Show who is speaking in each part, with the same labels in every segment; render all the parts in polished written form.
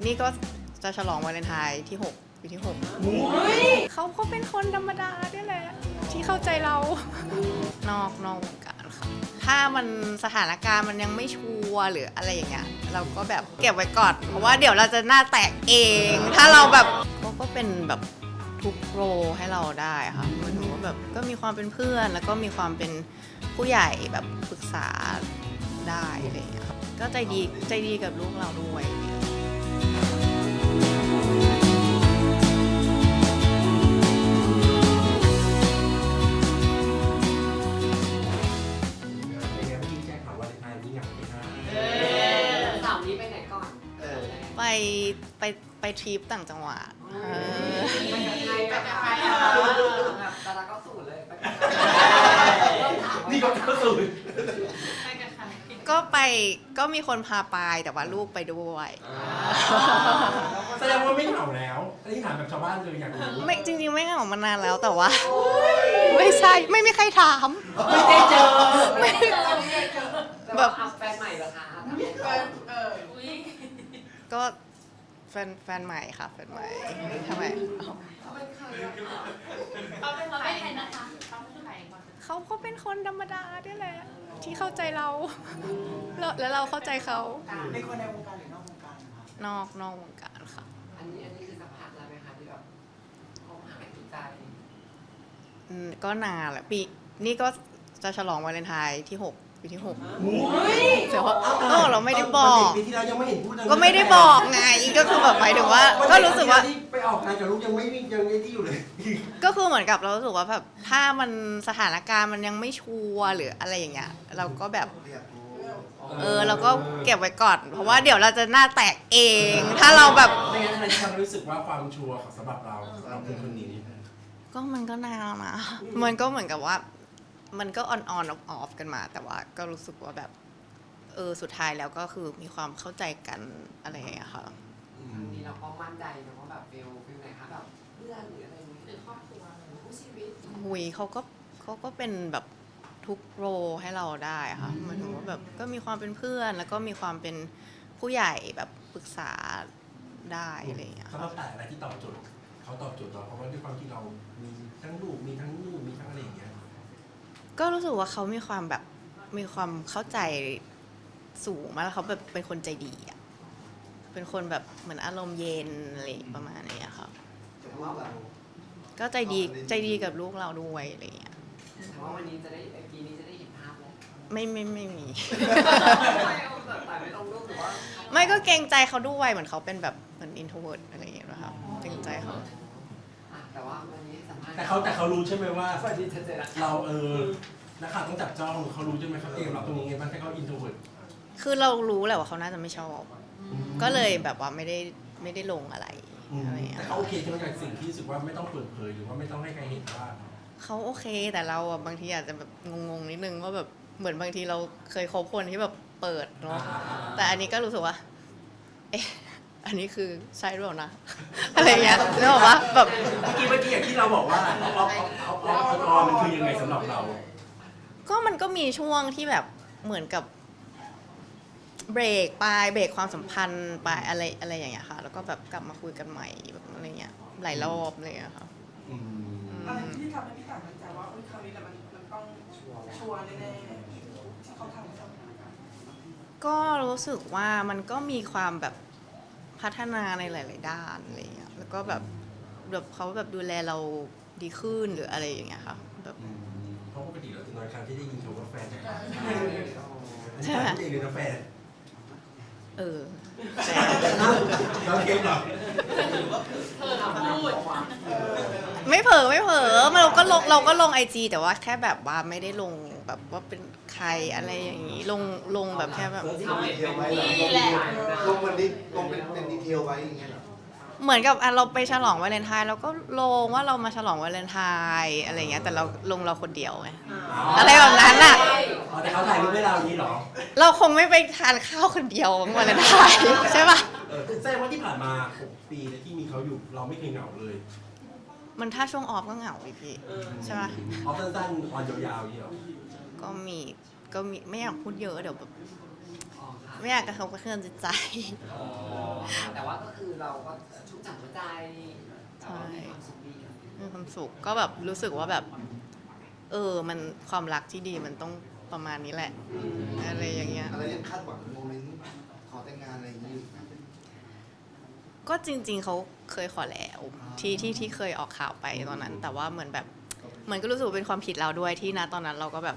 Speaker 1: นี่ก็จะฉลองวาเลนไทน์ที่6ปีที่6เขาก็เป็นคนธรรมดาเนี่ยแหละที่เข้าใจเรานอกวงการค่ะถ้ามันสถานการณ์มันยังไม่ชัวร์หรืออะไรอย่างเงี้ยเราก็แบบเก็บไว้ก่อนเพราะว่าเดี๋ยวเราจะหน้าแตกเองถ้าเราแบบเขาก็เป็นแบบทุกโรให้เราได้ค่ะหมันถือว่าแบบก็มีความเป็นเพื่อนแล้วก็มีความเป็นผู้ใหญ่แบบปรึกษาได้อะไรอย่างเงี้ยก็ใจดีกับลูกเราด้วยไปไปทริปต่างจังหวัด
Speaker 2: ดาราก็สูตรเลย
Speaker 3: นี่ก็เข้าสู่
Speaker 1: ก็มีคนพาไปแต่ว่าลูกไปด้วย
Speaker 3: แสดงว่าไม่เหงาแล้วอันนี้ถามแบบชาวบ้านเลยอยากรู้
Speaker 1: ไม่จริงๆไม่เหงามานานแล้วแต่ว่าไม่ใช่ไม่มีใครถาม
Speaker 3: ไม่ได้เจอ
Speaker 2: แบบแฟนใหม่เหรอคะ
Speaker 1: ก็แฟนใหม่ค่ะแฟนใหม่ทำไมเขาก็เป็นคนธรรมดาเนี่ยแหละที่เข้าใจเราแล้วเราเข้าใจเขา
Speaker 4: เป็นคนในวงการหรือนอกวงการคะ
Speaker 1: นอกวงการค่ะ
Speaker 2: อันนี้คือสัมผัสแล้วไหมคะที่แบบคบหาดูใจ
Speaker 1: ก็นานแหละปีนี่ก็จะฉลองวาเลนไทน์ที่6ปีที่6แต่ว่าเราไม่ได้บอก
Speaker 3: ปีที่แล้วยังไม่เห็นพูด
Speaker 1: ก็ไม่ได้บอกไงก็คือแบบหมายถึงว่าก็รู้สึกว่า
Speaker 3: ไปออกงานกับลูกยังไม่ยังไอ้ที่อยู่เลย
Speaker 1: ก็คือเหมือนกับเรารู้สึกว่าแบบถ้ามันสถานการณ์มันยังไม่ชัวร์หรืออะไรอย่างเงี้ยเราก็แบบเราก็เก็บไว้ก่อนเพราะว่าเดี๋ยวเราจะหน้าแตกเองถ้าเราแบบ
Speaker 3: ไม่งั้นอะไรที่ทำให้รู้สึกว่าความชัวร์ของสำหรับเราคือคนนี้
Speaker 1: ก็มันก็นานแล้วนะมันก็เหมือนกับว่ามันก็ออนออฟกันมาแต่ว่าก็รู้สึกว่าแบบสุดท้ายแล้วก็คือมีความเข้าใจกันอะไรอย่างเงี้ยค่ะ
Speaker 2: อันนี้เราก็มั่นใจนะว่าแบบฟิลไหนคะแบบเพื่อนหรืออะไรนี้หรือครอบครัวหรือคู่ชีวิต
Speaker 1: หุยเขาก็เป็นแบบทุกโรให้เราได้ค่ะหมายถึงว่าแบบก็มีความเป็นเพื่อนแล้วก็มีความเป็นผู้ใหญ่แบบปรึกษาได้อะไรอย่างเงี้ย
Speaker 3: สำหรับแต่อะไรที่ตอบโจทย์เขาตอบโจทย์เราเพราะว่าด้วยความที่เรามีทั้งลูกมีทั้งนู่นมีทั้งอะไรอย่างเงี้ย
Speaker 1: ก็รู้สึกว่าเขามีความแบบมีความเข้าใจสูงมากแล้วเขาแบบเป็นคนใจดีอ่ะเป็นคนแบบเหมือนอารมณ์เย็นอะไรประมาณนี้ค่ะ
Speaker 2: แต่ว่าแบบ
Speaker 1: ก็ใจดีกับลูกเราด้วยอะไรอย่างเงี้ย
Speaker 2: แต่ว่าวันนี้จะได้ปีนี้จะได้เห็นภาพแล้ว
Speaker 1: ไม่มี
Speaker 2: ไม่แต่ไม่ลงรูปหรือว่า
Speaker 1: ไม่ก็เกรงใจเขาด้วยเหมือนเขาเป็นแบบเหมือนอินโทรเวิร์ตอะไรอย่างเงี้ยนะคะเกรงใจเขา
Speaker 2: แต่ว่าวันนี้สัมภาษณ์
Speaker 3: แต่เขารู้ใช่ไหมว่า
Speaker 2: สวัสดีเจนะ
Speaker 3: เรานักข่าวต้องจับจ้องเขารู้ใช่ไหมเขาเตรียมเราตรงนี้ไงบ้างถ้าเขาอินโทรเวิร์ต
Speaker 1: คือเรารู้แหละว่าเขาน่าจะไม่ชอบก็เลยแบบว่าไม่ได้ลงอะไรอะไรอย่างเงี้ย
Speaker 3: แต่เขาโอเคใช่ไหมกับสิ่งที่รู้สึกว่าไม่ต้องเปิดเผยหรือว่าไม่ต้องให้ใครเห็นว่า
Speaker 1: เขาโอเคแต่เราอะบางทีอาจจะแบบงงๆนิดนึงว่าแบบเหมือนบางทีเราเคยคบคนที่แบบเปิดเนาะแต่อันนี้ก็รู้สึกว่าเอ๊ะอันนี้คือใช่หรือเปล่านะ อะไรอย่างเงี้ยนึกออกปะแบบ
Speaker 3: เมื่อกี้อย่างที่เราบอกว่าเอามันคือยังไงสำหรับเรา
Speaker 1: ก็มันก็มีช่วงที่แบบเหมือนกับเบรกความสัมพันธ์ไปอะไรอย่างเงี้ยค่ะแล้วก็แบบกลับมาคุยกันใหม่แบบอะไรเงี้ยหลายรอบอะไรเลยค่ะ
Speaker 4: อะไรที่ทำให้พี่ต่างมั่นใจว่าคราวนี้แหละมันต้องชัวร์แน่ๆที่เขาทำให้เรา
Speaker 1: ก็รู้สึกว่ามันก็มีความแบบพัฒนาในหลาย ๆ ด้านอะไรเงี้ยแล้วก็แบบเขาแบบดูแลเราดีขึ้นหรืออะไรอย่างเงี้ยค่ะแบบ
Speaker 3: เพราะปกติเราจะน้อยครั้งที่ได้ยินคำว่าแฟน
Speaker 1: ใช่ไหม
Speaker 3: เองเลยนะแฟน เราเกมเหรอ
Speaker 1: ไม่เผลอเราก็ลงไอจีแต่ว่าแค่แบบว่าไม่ได้ลงแบบว่าเป็นใครอะไรอย่างนี้ลงแบบแค่แบบ
Speaker 5: ลงดีเทลไว้นี่แหละลงเป็นดีเทลไว้อย่างเงี้ยเหรอ
Speaker 1: เหมือนกับเราไปฉลองวาเลนไทน์เราก็ลงว่าเรามาฉลองวาเลนไทน์อะไรเงี้ยแต่เราลงเราคนเดียวไงอะไรแบบนั้นอ่ะ
Speaker 3: แต่เขาถ่ายรูปให้เราอย่างนี้เหรอ
Speaker 1: เราคงไม่ไปทานข้าวคนเดียววาเลนไทน์ใช่ปะ
Speaker 3: แสดงว่าที่ผ่านมา6 ปีที่มีเขาอยู่เราไม่เคยเหงาเลย
Speaker 1: มันถ้าช่วงออฟก็เหงาอีพี่ใช่ปะ
Speaker 3: ออฟสั้นๆวันยาวๆอย่างนี้เหรอ
Speaker 1: ก็มีไม่อยากพูดเยอะเดี๋ยวแบบไม่อยากกระทบกระเทือนจิตใจ
Speaker 2: แต่ว่าก็คือเราก็ชุ่มฉ่ำหัวใจแต่ว่ามีความสุขดีอะ
Speaker 1: มีความสุขก็แบบรู้สึกว่าแบบมันความรักที่ดีมันต้องประมาณนี้แหละอะไรอย่างเงี้ย
Speaker 5: อะไรยังคาดหวังโมเมนต์ขอแต่งงานอะไรอย่างนี้อยู่ไหม
Speaker 1: ก็จริงๆเขาเคยขอแล้วที่เคยออกข่าวไปตอนนั้น แต่ว่าเหมือนแบบเหมือนก็รู้สึกว่าเป็นความผิดเราด้วยที่นะตอนนั้นเราก็แบบ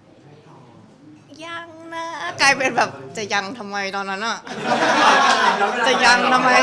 Speaker 1: ยังนะกลายเป็นแบบจะยังทำไมตอนนั้นอะจะยังทำไม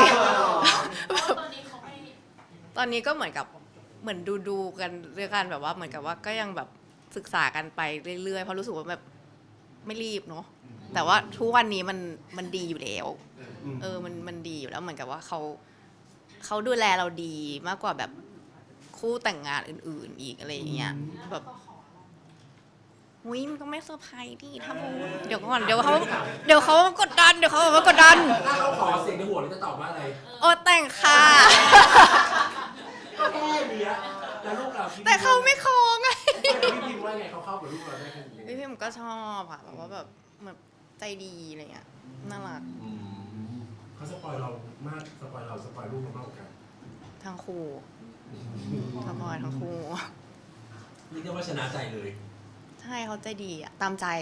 Speaker 1: ตอนนี้ก็เหมือนกับเหมือนดูกันเรื่องกันแบบว่าเหมือนกับว่าก็ยังแบบศึกษากันไปเรื่อยๆเพราะรู้สึกว่าแบบไม่รีบเนาะแต่ว่าทุกวันนี้มันดีอยู่แล้วมันดีอยู่แล้วเหมือนกับว่าเขาดูแลเราดีมากกว่าแบบคู่แต่งงานอื่นๆอีกอะไรอย่างเงี้ยแบบหุ้ยมันก็ไม่เซอร์ไพรส์ดิถ้าพูดเดี๋ยวก่อนเดี๋ยวเขากดดันถ้า
Speaker 3: เขาขอเสียงในหัวเราจะตอบว่าอะไร
Speaker 1: โอ้แต่งค่ะ
Speaker 3: ก็แค่เนี้ยแล้วลูกเรา
Speaker 1: แต่เขาไม่คอไง
Speaker 3: พี่พิมพ์ว่าไงเขาเข้ากับลูกเราได้แค่นี้
Speaker 1: พี่พิมก็ชอบค่ะแบบว่าแบบเหมือนใจดีอะไรเงี้ยน่ารัก
Speaker 3: เขาสปอยเรามากสปอยเราสปอยลูกเรามากกว่ากัน
Speaker 1: ทั้งคู่สปอยทั้งคู่
Speaker 3: เรียกได้ว่าชนะใจเลย
Speaker 1: ใช่เขาใจดีอะตามใจ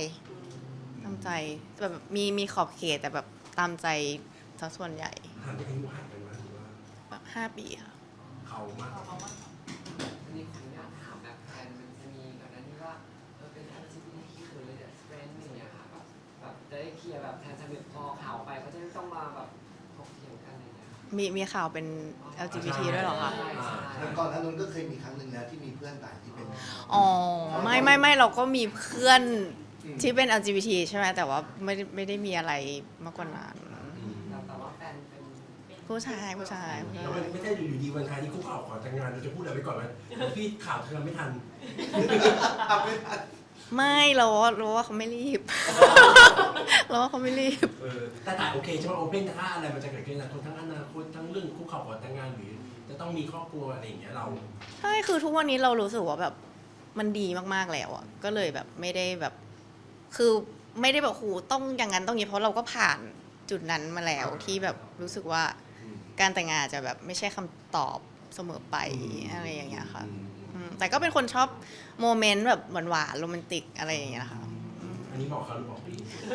Speaker 1: แบบมีขอบเขตแต่แบบตามใจซะส่วนใหญ่
Speaker 3: ห่างกันอายุห่างกันไหมหรือว่า
Speaker 1: แบบ5 ปีค่ะ
Speaker 3: เขามาก
Speaker 2: อันนี้ขออนุญาตถามแบบแทนมันจะมีก่อนหน้านี้ว่าเป็น LGBT หรือ friend อย่างเงี้ยค่ะแบบจะได้เคลียร์แบบแทนสนิทพอข่าวไปก็จะไม่ต้องมาแบบถกเถียงกันอะไรเงี้ย
Speaker 1: มีข่าวเป็น LGBT ด้วยเหรอคะ
Speaker 5: แล้วก่อนหน้านั้นก็เคยมีครั้งหนึ่งแล้วที่มีเพื่อนต่างที่เป็น
Speaker 1: อ๋อไม่เราก็มีเพื่อนที่เป็น LGBT ใช่ไหมแต่ว่าไม่ได้มีอะไรมากกว่านั้น
Speaker 2: แต่ว่าแฟนเป็น
Speaker 1: ผู้ชาย
Speaker 3: แล้วมันไม่ใช่อยู่ดีวันท้ายที่คุกเข่าขอแต่งงานเราจะพูดอะไรไปก่อนไหมพี่ข่าวเธอไม่ทัน
Speaker 1: ไม่เราว่าเขาไม่รีบ เราว่าเขาไม่รีบ
Speaker 3: แต่โอเคใช่ไหมโอเพนถ้าอะไรมันจะเกิดขึ้นนะทั้งอนาคตทั้งเรื่องคุกเข่าขอแต่งงานหรือจะต้องมีครอบครัวอะไรอย่างเงี้ยเรา
Speaker 1: ใช่คือทุกวันนี้เรารู้สึกว่าแบบมันดีมากๆแล้วอ่ะก็เลยแบบไม่ได้แบบคือไม่ได้แบบโหต้องอย่างนั้นต้องอย่างนี้เพราะเราก็ผ่านจุดนั้นมาแล้วที่แบบรู้สึกว่าการแต่งงานจะแบบไม่ใช่คำตอบเสมอไปอะไรอย่างเงี้ยค่ะแต่ก็เป็นคนชอบโมเมนต์แบบหวานๆโรแมนติกอะไรอย่างเงี้ยค่ะ
Speaker 3: อันนี้บอกเขาหรือบอกพี่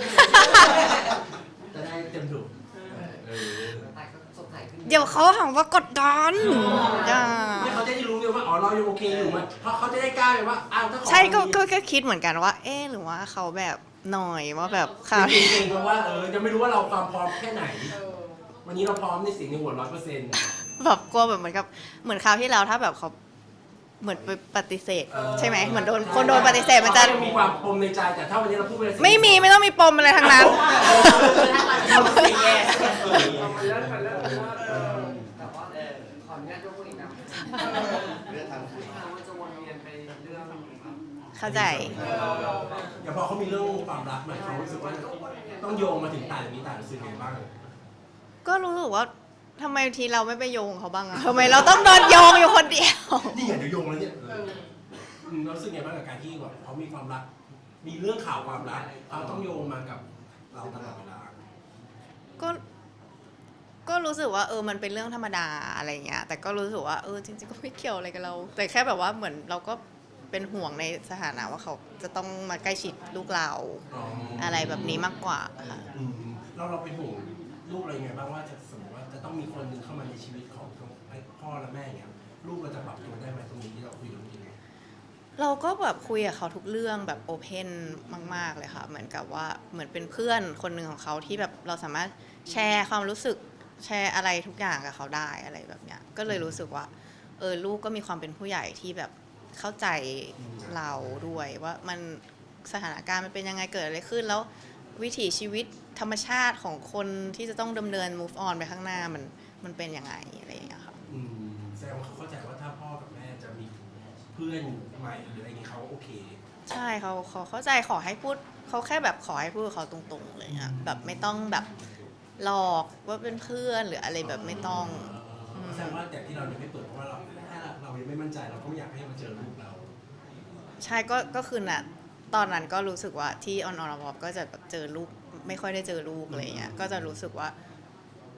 Speaker 3: จะได้เต็มถูก
Speaker 2: แต่ก็สดใสขึ้น
Speaker 1: เดี๋ยวเขาหาว่ากดดันอย่า
Speaker 3: เนี่ยเขาจะได้รู้เลยว่าอ๋อเรายังโอเคอยู่มันเพราะเขาจะได้กล้าเลยว่าอ้าวถ้าขอ
Speaker 1: ใช่ก็คิดเหมือนกันว่าเอ๊ะหรือว่าเขาแบบหน่อยว่าแบบข่าว
Speaker 3: จริงๆเพราะว่ายังไม่รู้ว่าเราความพร้อมแค่ไหน วันนี้เราพร้อมในสิ่งในหัว100%
Speaker 1: แบบกลัวแบบเหมือนคราวที่แล้วถ้าแบบเขาเหมือนไปปฏิเสธใช่ไหมเหมือนคนโดนปฏิเสธมันจะ
Speaker 3: มีความปมในใจแต่ถ้าวันนี้เราพูดไปเลย
Speaker 1: ไม่ต้องมีปมอะไรทั้งนั้น
Speaker 2: แต่ว่าขออนุญาตยกมืออีกนะ
Speaker 5: เรื่องทางคุย
Speaker 2: ว่าจะวนเวียนไปเรื่องแบบ
Speaker 1: เข้าใจ
Speaker 3: อย่างพอเขามีเรื่องความรักมันเขารู้สึกว่าต้องโยงมาถึงต่างนี้ต่างรู้สึกไงบ้าง
Speaker 1: ก็รู้สึกว่าทำไมทีเราไม่ไปโยงเขาบ้างอะทำไมเราต้องโดนโยงอยู่คนเดียว
Speaker 3: นี่ไงเดี๋ยวโยงแล้วเนี่ยเรารู้สึกไงบ้างกับการที่แบบเขามีความรัก มีเรื่องข่าวความรักเขาต้องโยงมากับเราตลอดเวลา
Speaker 1: ก็รู้สึกว่ามันเป็นเรื่องธรรมดาอะไรเงี้ยแต่ก็รู้สึกว่าจริงๆก็ไม่เกี่ยวอะไรกับเรา แต่แค่แบบว่าเหมือนเราก็เป็นห่วงในสถานะว่าเขาจะต้องมาใกล้ชิดลูกเราอะไรแบบนี้มากกว่าค่ะ
Speaker 3: เราเป็นห่วงลูกอะไรยังไงบ้างว่าจะสมมติว่าจะต้องมีคนหนึ่งเข้ามาในชีวิตของพ่อและแม่อย่างเงี้ยลูกเราจะปรับตัวได้ไหมตรงนี้ที่เราคุยกันจริง
Speaker 1: เราก็แบบคุยกับเขาทุกเรื่องแบบโอเพนมากๆเลยค่ะเหมือนกับว่าเหมือนเป็นเพื่อนคนหนึ่งของเขาที่แบบเราสามารถแชร์ความรู้สึกแชร์อะไรทุกอย่างกับเขาได้อะไรแบบเนี้ยก็เลยรู้สึกว่าลูกก็มีความเป็นผู้ใหญ่ที่แบบเข้าใจเราด้วยว่ามันสถานการณ์มันเป็นยังไงเกิดอะไรขึ้นแล้ววิถีชีวิตธรรมชาติของคนที่จะต้องดำเนิน move on ไปข้างหน้ามันเป็นยังไงอะไรอย่างเงี้ยค่ะ
Speaker 3: แสดงว่าเขาเข้าใจว่าถ้าพ่อกับแม่จะมีเพื่อนใหม่หรืออะไรอย่างนี้เขาโอเค
Speaker 1: ใช่เขาเข้าใจขอให้พูดเขาแค่แบบขอให้พูดกับเขาตรงๆเลยอะแบบไม่ต้องแบบหลอกว่าเป็นเพื่อนหรืออะไรแบบไม่ต้อง
Speaker 3: แสดงว่าแต่ที่เรายังไม่เปิดเพราะว่าถ้าเรายังไม่มั่นใจเราก็ไม่อยากให้มาเจอลูกเรา
Speaker 1: ใช่ก็คือน่ะตอนนั้นก็รู้สึกว่าที่ออนก็จะแบบเจอลูกไม่ค่อยได้เจอลูกอะไรเงี้ยก็จะรู้สึกว่า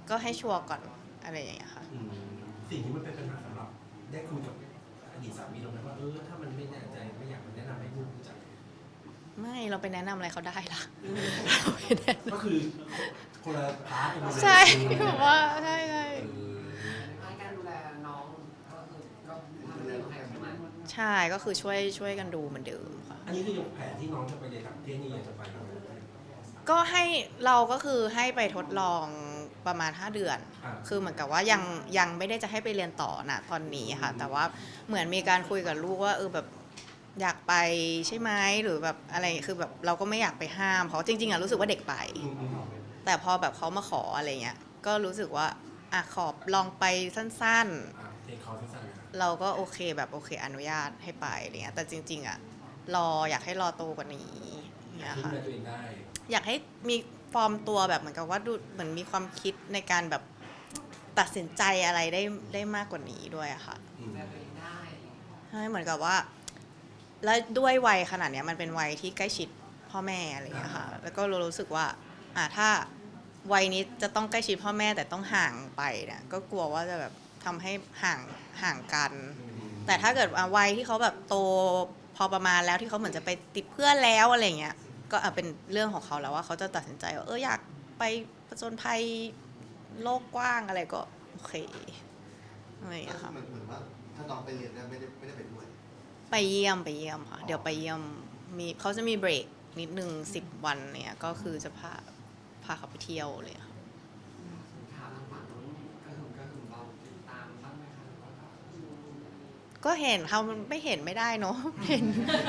Speaker 1: ก็ให้ชัวร์ก่อนอะไรอย่างเงี้ยค่ะ
Speaker 3: สิ่งที่มันเป็นปัญหาสำหรับได้คุยกับอดีตสามีเราไหมว่าถ้ามันไม่แน่ใจไม่อยากแนะนำให้ลูกรู้จัก
Speaker 1: ไม่เราไปแนะนำอะไรเขาได้ล่ะ
Speaker 3: ก็คือคนละพาร์ทกันเลย
Speaker 1: ใช่แบบว่าใช่ใช่
Speaker 2: ในการดูแลน้องก็คือก็ทำเรื่องให้ใช่ไหม
Speaker 1: ใช่ก็คือช่วยกันดูเหมือนเดิมค่ะ
Speaker 3: อันนี้คือแผนที่น้องจะไปเรียนต่างประเทศนี่ยังจะไปไหม
Speaker 1: ก็ให้เราก็คือให้ไปทดลองประมาณ5 เดือน คือเหมือนกับว่ายังไม่ได้จะให้ไปเรียนต่อนะตอนนี้ค่ะ แต่ว่าเหมือนมีการคุยกับลูกว่าแบบอยากไปใช่ไหมหรือแบบอะไรคือแบบเราก็ไม่อยากไปห้ามเพราะจริงๆรู้สึกว่าเด็กไป แต่พอแบบเขามาขออะไรเงี้ยก็รู้สึกว่าขอลองไปสั้นๆ
Speaker 3: เทคคอร์สสั้นๆ
Speaker 1: เราก็โอเคแบบโอเคอนุญาตให้ไปอะไรเงี้ยแต่จริงๆอยากให้รอโตกว่านี้เนี่ย
Speaker 3: ดู
Speaker 1: ค่ะ
Speaker 3: แลตัวเองได้
Speaker 1: อยากให้มีฟอร์มตัวแบบเหมือนกับว่าดูเหมือนมีความคิดในการแบบตัดสินใจอะไรได้มากกว่านี้ด้วยอะค่ะ
Speaker 2: ดูแลตัวเองได้
Speaker 1: ใช่เหมือนกับว่า แล้วด้วยวัยขนาดเนี้ยมันเป็นวัยที่ใกล้ชิดพ่อแม่อะไรเงี้ยค่ะแล้วก็รู้สึกว่าถ้าวัยนี้จะต้องใกล้ชิดพ่อแม่แต่ต้องห่างไปเนี่ยก็กลัวว่าจะแบบทำให้ห่างกัน แต่ถ้าเกิดวัยที่เขาแบบโตพอประมาณแล้วที่เขาเหมือนจะไปติดเพื่อนแล้วอะไรเงี้ยก็เป็นเรื่องของเขาแล้วว่าเขาจะตัดสินใจว่าอยากไปผจญภัยโลกกว้างอะไรก็โอเคอะไรอย่างเงี้ยค่ะ
Speaker 5: เหมือนว่าถ้าน้องไปเรียนเนี่ยไม่ได้ไปด้วย
Speaker 1: ไปเยี่ยมค่ะเดี๋ยวไปเยี่ยมเขาจะมีเบรกนิดนึง10 วันเนี่ยก็คือจะพาเขาไปเที่ยวเลยค่ะ
Speaker 2: ถามทางฝั่งนู้นก็คือเราติดตามบ้างไหมคะหรือว่าก็
Speaker 1: ก็เห็นเขาไม่เห็นไม่ได้เนาะเห็น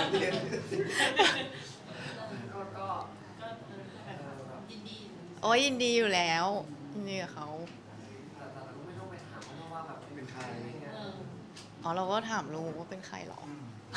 Speaker 2: ก็
Speaker 6: ยินดี
Speaker 1: โอ้ยยินดีอยู่แล้วยินดีกับเขา
Speaker 2: แต่เราไม่ต้องไปถามเขาว่าแบบ
Speaker 5: เป็นใคร
Speaker 1: อ๋อเราก็ถามลูกว่าเป็นใครหรอ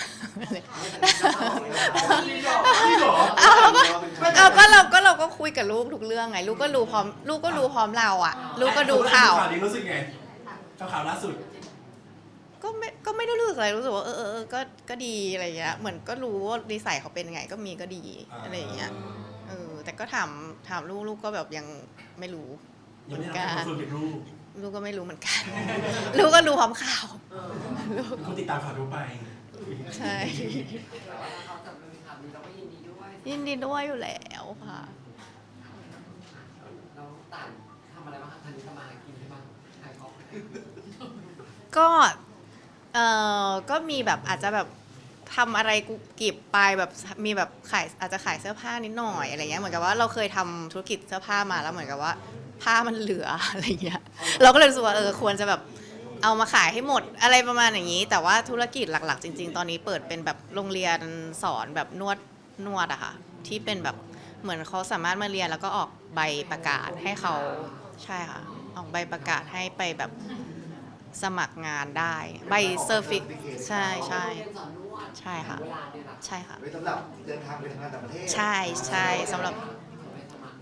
Speaker 3: พี่หรอ
Speaker 1: ก็เราก็คุยกับลูกทุกเรื่องไงลูกก็รู้พร้อมเราอ่ะลูกก็ดูข่าว
Speaker 3: ข่าวนี้รู้สึกไงข่าวล่าสุด
Speaker 1: ก็ไม่ได้รู้สึกอะไรรู้สึกว่าก็ดีอะไรเงี้ยเหมือนก็รู้ว่านิสัยเขาเป็นไงก็มีก็ดีอะไรอย่างเงี้ยแต่ก็ถามลูกก็แบบยังไม่รู้
Speaker 3: ยังไม่ได้รับส่วนเป็นลูก
Speaker 1: ลูกก็ไม่รู้เหมือนกัน ลูกก็รู้พร้อมข่าวลูก
Speaker 3: เป็นคนติดตามข่าวทั่วไป
Speaker 1: ใช่
Speaker 2: แต่ว่าถ้าเขาจะมีข่าวนี้เราก็ยินดีด้วย
Speaker 1: ยินดีด้วยอยู่แล้วค่ะ
Speaker 2: เราต่างทำอะไรบ้างคะทันนี้ทำมาหากินใช่ไหมขายของ
Speaker 1: ก็มีแบบอาจจะแบบทำอะไรกุบกิบไปแบบมีแบบอาจจะขายเสื้อผ้านิดหน่อยอะไรเงี้ยเหมือนกับว่าเราเคยทำธุรกิจเสื้อผ้ามาแล้วเหมือนกับว่าผ้ามันเหลืออะไรเงี้ยเราก็เลยรู้สึกว่าควรจะแบบเอามาขายให้หมดอะไรประมาณอย่างนี้ แต่ว่าธุรกิจหลักๆจริงๆตอนนี้เปิดเป็นแบบโรงเรียนสอนแบบนวดอะค่ะที่เป็นแบบเหมือนเขาสามารถมาเรียนแล้วก็ออกใบประกาศให้เขาใช่ค่ะออกใบประกาศให้ไปแบบสมัครงานได้ใบเซอร์ฟิกใช่ใช่
Speaker 2: เรียนสอนนวด
Speaker 1: ใช่ค่ะ
Speaker 2: เวลาเนี่ยนะ
Speaker 1: ใช่ค่ะ
Speaker 5: ไว้สำหรับเดินทางไปทำงานต่างประเทศ
Speaker 1: ใช่สำหรับ
Speaker 2: ไปสมัคร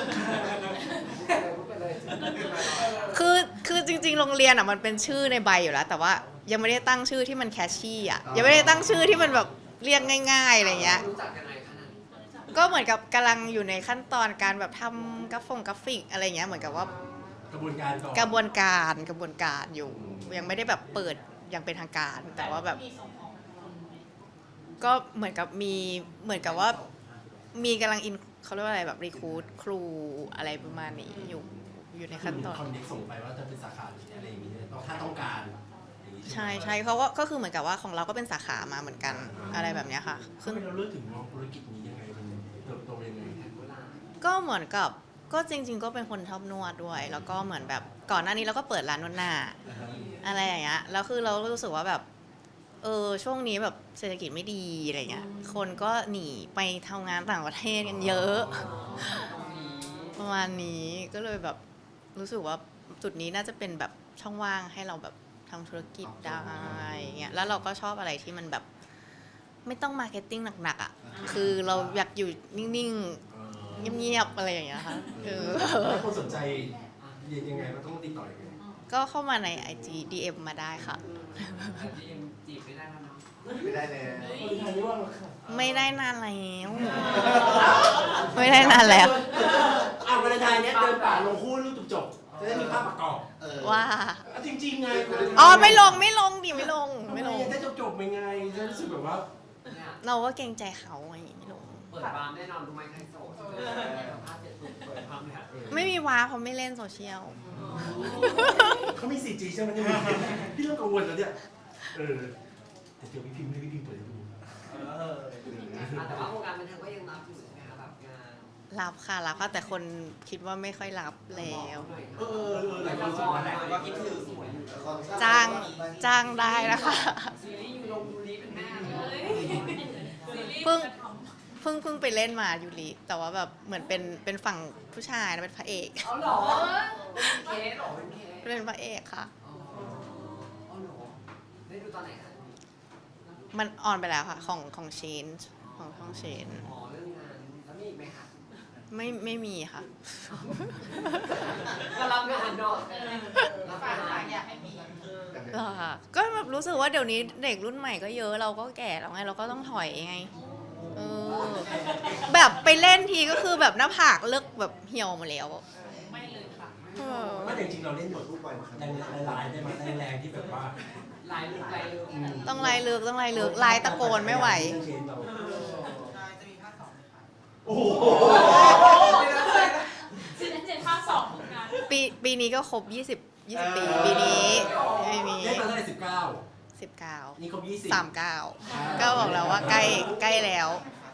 Speaker 2: ไปเลย
Speaker 1: คือจริงๆโรงเรียนอ่ะมันเป็นชื่อในใบอยู่แล้ว แต่ว่ายังไม่ได้ตั้งชื่อที่มันแคชชี่อ่ะยังไม่ได้ตั้งชื่อที่มันแบบเรียกง่ายๆอะไรเงี้ย
Speaker 2: รู้จักยังไงคะนั้น
Speaker 1: ก็เหมือนกับกำลังอยู่ในขั้นตอนการแบบทำกราฟิกอะไรเงี้ยเหมือนกับว่าก
Speaker 3: ระบวนการก่อน
Speaker 1: กระบวนการอยู่ยังไม่ได้แบบเปิดอย่างเป็นทางการ แต่ว่าแบบก็เหมือนกับว่ามีกำลังเขาเรียกว่าอะไรแบบรีคูดครูอะไรประมาณนี้อยู่ในขั้นตอน
Speaker 3: คอนเน็กส่งไปว่าจะเป็นสาขาหรืออะไรอย่างนี้ถ้าต้องการอย่างนี้
Speaker 1: ใช่เขาก็คือเหมือนกับว่าของเราก็เป็นสาขามาเหมือนกันอะไรแบบเนี้ยค่ะ
Speaker 3: ซึ่งเราเลือกถึงมองธุรกิจนี้ยังไงมันเติบโตยังไง
Speaker 1: ก็เหมือนกับก็จริง ๆ ก็เป็นคนชอบนวดด้วย แล้วก็เหมือนแบบก่อนหน้านี้เราก็เปิดร้านนวดหน้าอะไรอย่างเงี้ยแล้วคือเรารู้สึกว่าแบบช่วงนี้แบบเศรษฐกิจไม่ดีอะไรเงี้ยคนก็หนีไปทำงานต่างประเทศกันเยอะประมาณนี้ก็เลยแบบรู้สึกว่าจุดนี้น่าจะเป็นแบบช่องว่างให้เราแบบทำธุรกิจได้เงี้ยแล้วเราก็ชอบอะไรที่มันแบบไม่ต้องมาร์เก็ตติ้งหนักๆอ่ะคือเราอยากอยู่นิ่งๆเงียบๆอะไรอย่างเงี้ยค่ะ
Speaker 3: ถ้าคนสนใจเรียนยังไงมันต้องติดต่อยังไง
Speaker 1: ก็เข้ามาใน IG DM มาได้ค่ะ
Speaker 2: จีบไม่ได้แล้วเนาะ
Speaker 5: ไม่ได้เลย
Speaker 1: ไม่ได้นานแล้วไม่ได้นานแล้ว
Speaker 3: วันไทยเนี้ยเดินป่าลงคู่รูปจบจะได้มีภาพประกอบ
Speaker 1: ว่า
Speaker 3: จริงๆไง
Speaker 1: อ๋อไม่ลงดิไม่ลง
Speaker 3: ได้จบๆไปไงจะรู้สึกแบบว่า
Speaker 2: เนี่ย
Speaker 1: เราก็เกรงใจเขาไงไม่ลง
Speaker 2: เปิดบาร์แน่นอนรู้ไหมใครโสดสัมภาษณ์เสร็จปุ๊บเปิดบาร์เนี่ย
Speaker 1: ไม่มีว้าเพราะไม่เล่นโซเชียล
Speaker 3: เขามี 4G ใช่ไหมเนี่ยพี่เริ่มกังวลแล้วเนี่ยแต่เดี๋ยวพี่พิมพ์ให้พี่พิมพ์เปิดให้ดู
Speaker 2: แต่ว่าโครงการบันเทิงก็ยังรับอยู่ใช่ไหมคะแบบงาน
Speaker 1: รับค่ะแต่คนคิดว่าไม่ค่อยรับแล้ว
Speaker 3: หลายคนสงสัย
Speaker 2: ว่าคิดถึงสวยอยู่
Speaker 1: จ้างได้นะคะ
Speaker 2: ซีรีส์อยู่ลงดูรีเป็นแม่เล
Speaker 6: เฮ้
Speaker 2: ย
Speaker 6: ยซีรีส์
Speaker 1: เพิ่ง
Speaker 6: จะท
Speaker 1: เพิ่งไปเล่นมายูริแต่ว่าแบบเหมือนเป็นฝั่งผู้ชายนะเป็นพระเอก
Speaker 2: เอาเหรอเป็นเคสเหรอเป็นเคส
Speaker 1: เป็นพระเอกค่ะ
Speaker 2: อ๋อเหรอได้ดูตอนไหนคะ
Speaker 1: มันออนไปแล้วค่ะของเชนของช่องเชน
Speaker 2: อ๋อเรื่องงานแล้วมีอีกไหมคะ
Speaker 1: ไม่มีค่ะ
Speaker 2: ก็รับงานเนาะ
Speaker 6: ำ
Speaker 2: รับ
Speaker 6: ฝาก
Speaker 2: งาน
Speaker 6: อยากให้มี
Speaker 1: เหรอค่ะก็แบบรู้สึกว่าเดี๋ยวนี้เด็กรุ่นใหม่ก็เยอะเราก็แก่แล้วไงเราก็ต้องถอยไงแบบไปเล่นทีก็คือแบบหน้าผากเลิกแบบเหี่ยวหมดแล้ว
Speaker 6: ไม่เลยค่ะ
Speaker 3: ไม่แต่จริงๆเราเล่นบทรูปไปหลายๆได้มาแรงๆที่แบบว่า
Speaker 2: ลายลึกลายลึก
Speaker 1: ต้องไล่เลือกไล่ตะโกนไม่ไหว
Speaker 3: เรื่องเชนเรา
Speaker 4: จะมีภาค 2ไหมคะ
Speaker 3: โอ้โห
Speaker 6: ซีรีส์เจนภาค2เหมือนกัน
Speaker 1: ปีนี้ก็ครบ20 ปีปีนี้ไม่มี
Speaker 3: ได้มาเท่าไหร่19
Speaker 1: 19
Speaker 3: นี่ครบ20
Speaker 1: 39ก็บอกแล้วว่าใกล้แล้ว
Speaker 3: อ